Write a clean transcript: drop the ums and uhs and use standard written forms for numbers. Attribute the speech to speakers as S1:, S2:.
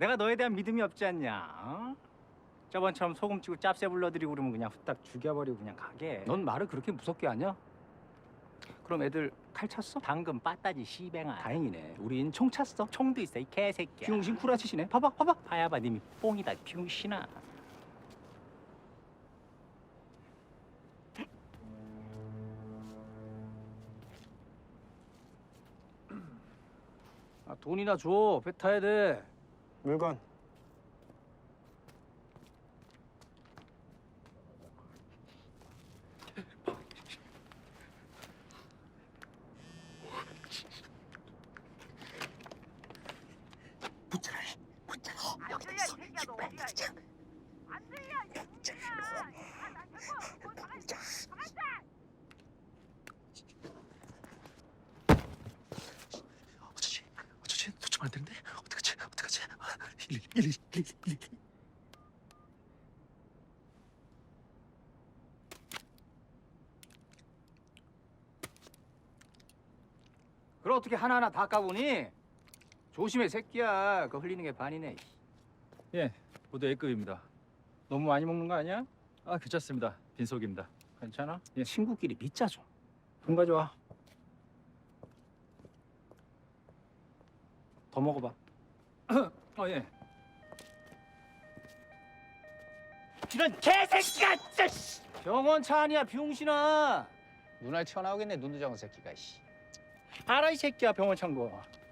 S1: 내가 너에 대한 믿음이 없지 않냐? 어? 저번처럼 소금 치고 짭새 불러들이고 그러면 그냥 후딱 죽여버리고 그냥 가게.
S2: 넌 말을 그렇게 무섭게 하냐? 그럼 애들 칼 찼어?
S1: 당근 빠따지 시뱅아.
S2: 다행이네. 우린 총 찼어.
S1: 총도 있어 이 개새끼야.
S2: 비용신 구라치시네. 봐봐, 봐봐.
S1: 파야바 님이 뽕이다 병신아.
S2: 아, 돈이나 줘. 배 타야 돼.
S3: 물건.
S2: 붙여라. 붙여라. 여기다 있어. 빨리 붙여. 어쩌지? 도착 안 되는데? 어떡하지? 111. 그럼 어떻게 하나하나 다 까보니? 조심해, 새끼야. 그거 흘리는 게 반이네.
S4: 예, 모두 A급입니다.
S1: 너무 많이 먹는 거 아니야?
S4: 아, 괜찮습니다. 빈속입니다.
S1: 괜찮아?
S4: 예.
S2: 친구끼리 믿자 좀.
S1: 돈 가져와. 더 먹어봐.
S4: 예.
S1: 이런 개새끼가 진짜. 씨.
S2: 병원 차 아니야, 병신아.
S1: 눈알 튀어나오겠네 눈두덩이 새끼가. 씨. 알아 이 새끼야 병원 창고.